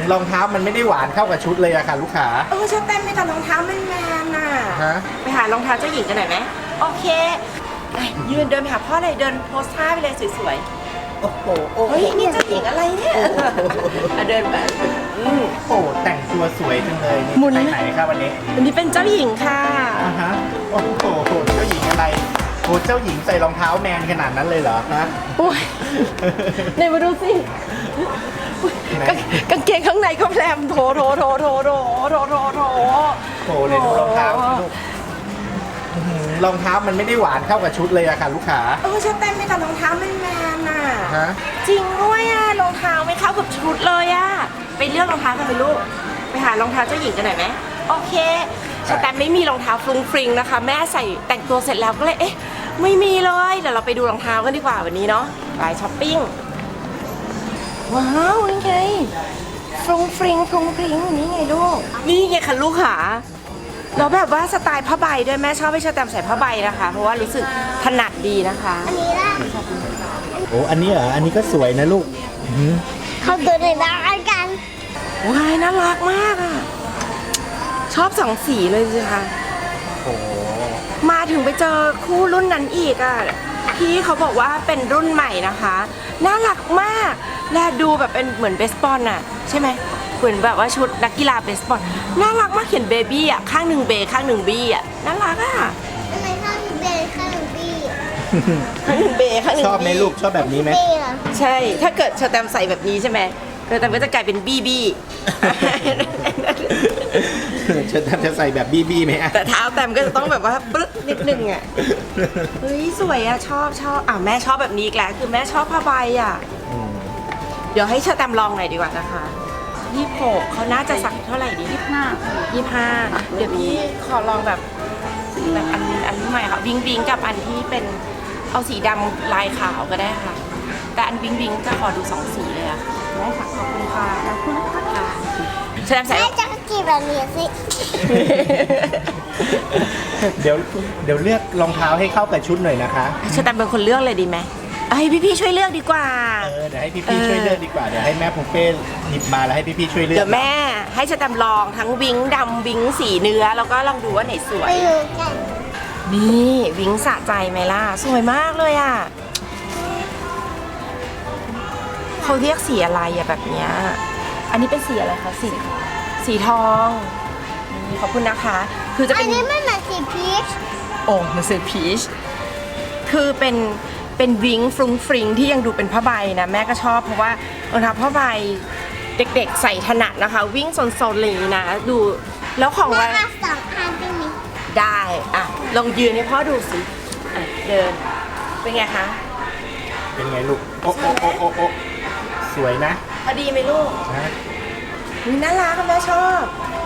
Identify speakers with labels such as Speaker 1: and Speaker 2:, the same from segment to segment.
Speaker 1: รองเท้ามันไม่ได้หวานเข้ากับชุดเลยอะค่ะลูกค้า
Speaker 2: ชอบเต้นไปกับรองเท้าแมนๆน่ะไปหารองเท้าเจ้าหญิงกันหน่อยไหมโอเคยืนเดินไปหาพ่อเลยเดินโพสท่าไปเลยสวยๆ
Speaker 1: โอ้โห
Speaker 2: เฮ้ยนี่เจ้าหญิงอะไรเนี่ยเดินไป
Speaker 1: โอ้โหแต่งตัวสวยจังเลยนี่ไปไหนครับวันนี้
Speaker 2: วันนี้เป็นเจ้าหญิงค่ะ
Speaker 1: โอ้โหเจ้าหญิงอะไรโอ้เจ้าหญิงใส่รองเท้าแมนขนาดนั้นเลยเหรอฮะ
Speaker 2: โอ้ยไหนมาดูสิกางเกงข้างในก็แพรมโถเลยดูรองเท้า
Speaker 1: ลูกรองเท้ามันไม่ได้หวานเข้ากับชุดเลยอะค่ะลูกค้า
Speaker 2: ชอบเต้นไปกับรองเท้าแมนๆน่ะจริงด้วยอะรองเท้าไม่เข้ากับชุดเลยอะไปเลือกรองเท้ากันไปลูกไปหารองเท้าเจ้าหญิงกันหน่อยไหมโอเคแต่ไม่มีรองเท้าฟรุ้งฟริงนะคะแม่ใส่แต่งตัวเสร็จแล้วก็เลยไม่มีเลยเดี๋ยวเราไปดูรองเท้ากันดีกว่าวันนี้เนาะไปช้อปปิ้งว้าวนี่ไงฟรุ้งฟริงนี่ไงลูกนี่ไงค่ะลูกขาแล้วแบบว่าสไตล์ผ้าใบด้วยแม่ชอบให้เชอแตมใส่ผ้าใบนะคะเพราะว่ารู้สึกถนัดดีนะคะ
Speaker 3: อันนี้ล่ะ
Speaker 1: โอ้อันนี้เหรออันนี้ก็สวยนะลูก
Speaker 3: เขาดูในบ้านกัน
Speaker 2: ว้ายน่ารักมากอ่ะชอบสองสีเลยสิคะ
Speaker 1: โอ้
Speaker 2: มาถึงไปเจอคู่รุ่นนั้นอีกอ่ะพี่เขาบอกว่าเป็นรุ่นใหม่นะคะน่ารักมากและดูแบบเป็นเหมือนเบสบอลน่ะใช่ไหมเหมือนแบบว่าชุดนักกีฬาเบสบอลน่ารักมากเขียนเบบี้อ่ะข้างหนึ่งเบข้างหนึ่งบี้อ่ะน่ารักอ่ะ
Speaker 3: ทำไมข้างหนึ่งเบข้างหนึ่งบี้
Speaker 2: ข้างหนึ่งเบข้างหนึ่ง
Speaker 1: ชอบไหมลูกชอบแบบนี้ไหม
Speaker 2: ใช่ถ้าเกิดเชอแตมใส่แบบนี้ใช่ไหมเชอแตมก็จะกลายเป็นบี้
Speaker 1: เชอแตมจะใส่แบบบี้ไหม
Speaker 2: แต่เท้าแตมก็จะต้องแบบว่าปึ๊กนิดนึงอ่ะเฮ้ยสวยอ่ะชอบแม่ชอบแบบนี้อีกแล้วคือแม่ชอบผ้าใบอ่ะเดี๋ยวให้เชอแตมลองหน่อยดีกว่านะคะ26เขาน่าจะสักเท่าไหร่ดี25เดี๋ยวพี่ขอลองแบบอันใหม่ค่ะวิงกับอันที่เป็นเอาสีดำลายขาวก็ได้ค่ะแต่อันวิงจะขอดู2สีเลยอะได้ค่ะขอบคุณค่ะเชอแตมใส่
Speaker 3: แม่จะกี่แบบนี้สิ
Speaker 1: เดี๋ยวเลือกรองเท้าให้เข้ากับชุดหน่อยนะคะ
Speaker 2: เชอแตมเป็นคนเลือกเลยดีไหมให้พี่ช่วยเลือกดีกว่า
Speaker 1: เดี๋ยวให้พี่ช่วยเลือกดีกว่าเดี๋ยวให้แม่ผมเป้หยิบมาแล้วให้พี่ช่วยเลือก
Speaker 2: เดี๋ยวแม่ให้เชอแตมลองทั้งวิงดำวิงสีเนื้อแล้วก็ลองดูว่าไหนสวยนี่วิงสะใจไหมล่ะสวยมากเลยอ่ะเขาเรียกสีอะไรอะแบบเนี้ยอันนี้เป็นสีอะไรคะสีทองนี่ขอบคุณนะคะคือจะเป็น
Speaker 3: อันนี้ไม่เหมือนสีพีช
Speaker 2: มันสีพีชคือเป็นวิงฟรุ้งฟริงที่ยังดูเป็นผ้าใบนะแม่ก็ชอบเพราะว่ารองเท้าผ้าใบเด็กๆใส่ถนัดนะคะวิ่งโซนๆเลยนะดูแล้วของ
Speaker 3: ว่า2 อันได้ไหม
Speaker 2: ได้ลองยืนให้พ่อดูสิเดินเป็นไงคะ
Speaker 1: เป็นไงลูกโอ้สวยนะ
Speaker 2: พอดีไหมลูกนี่น่ารักแม่ชอบ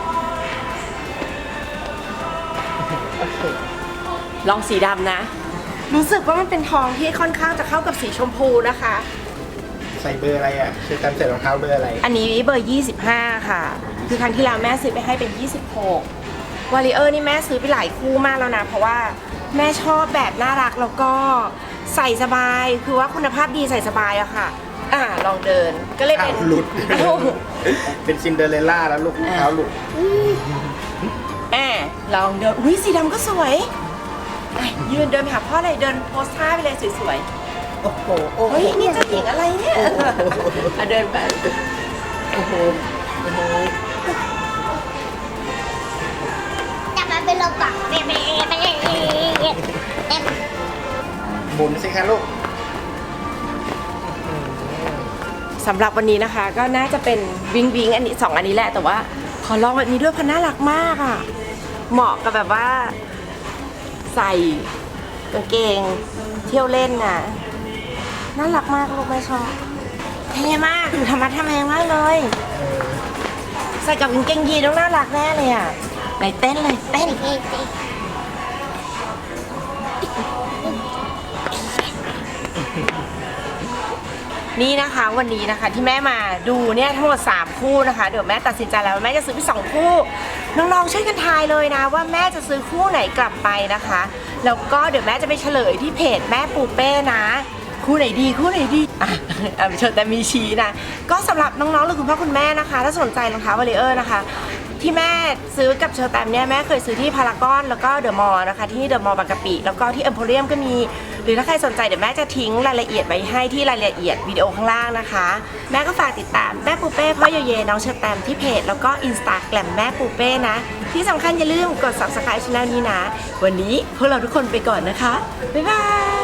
Speaker 2: ลองสีดำนะรู้สึกว่ามันเป็นทองที่ค่อนข้างจะเข้ากับสีชมพูนะคะ
Speaker 1: ใส่เบอร์อะไรอ่ะคือการใส่รองเท้าเบอร์อะไร
Speaker 2: อันนี้เบอร์25ค่ะคือครั้งที่แล้วแม่ซื้อไปให้เป็น26วอลเลเยอร์นี่แม่ซื้อไปหลายคู่มากแล้วนะเพราะว่าแม่ชอบแบบน่ารักแล้วก็ใส่สบายคือว่าคุณภาพดีใส่สบายอะค่ะลองเดินก็เลยเป็น
Speaker 1: หลุดเป็นซินเดอเรลล่าแล้วลูกเท้าหลุด
Speaker 2: ลองเดินอุ้ยสีดำก็สวยยืนเดินไปหาพ่อเลยเดินโพสท่าไปเลยสวย
Speaker 1: ๆโอ้โห
Speaker 2: เฮ้ยนี่เจ้าหญิงอะไรเนี่ยเดินไป
Speaker 1: โอ้โห
Speaker 3: จับมาเป็นโลกะ
Speaker 1: หมุนสิคะลูก
Speaker 2: สำหรับวันนี้นะคะก็น่าจะเป็นวิงอันนี้2อันนี้แหละแต่ว่าขอลองแบบนี้ด้วยเพราะน่ารักมากอ่ะเหมาะกับแบบว่าใส่กางเกงเที่ยวเล่นน่ะน่ารักมากลูกแม่ชอบเท่มากธรรมะทำแมงมากเลยใส่กับกางเกงยีนต้องน่ารักแน่เลยอ่ะไหนเต้นเลยเต้นนี่นะคะวันนี้นะคะที่แม่มาดูเนี่ยทั้งหมด3คู่นะคะเดี๋ยวแม่ตัดสินใจแล้วแม่จะซื้อไป2คู่น้องๆช่วยกันทายเลยนะว่าแม่จะซื้อคู่ไหนกลับไปนะคะแล้วก็เดี๋ยวแม่จะไปเฉลยที่เพจแม่ปูเป้นะคู่ไหนดีอ่ะเชิญแต่มีชี้นะก็สำหรับน้องๆหรือคุณพ่อคุณแม่นะคะถ้าสนใจรองเท้าวอลเลเยอร์นะคะที่แม่ซื้อกับเชอร์แตมเนี่ยแม่เคยซื้อที่พารากอนแล้วก็เดอะมอลล์นะคะที่เดอะมอลล์บางกะปิแล้วก็ที่เอ็มโพเรียมก็มีหรือถ้าใครสนใจเดี๋ยวแม่จะทิ้งรายละเอียดไว้ให้ที่รายละเอียดวิดีโอข้างล่างนะคะแม่ก็ฝากติดตามแม่ปูเป้พ่อโยเยน้องเชอร์แตมที่เพจแล้วก็อินสตาแกรมแม่ปูเป้นะที่สำคัญอย่าลืมกด subscribe ช่องนี้นะวันนี้พวกเราทุกคนไปก่อนนะคะบ๊ายบาย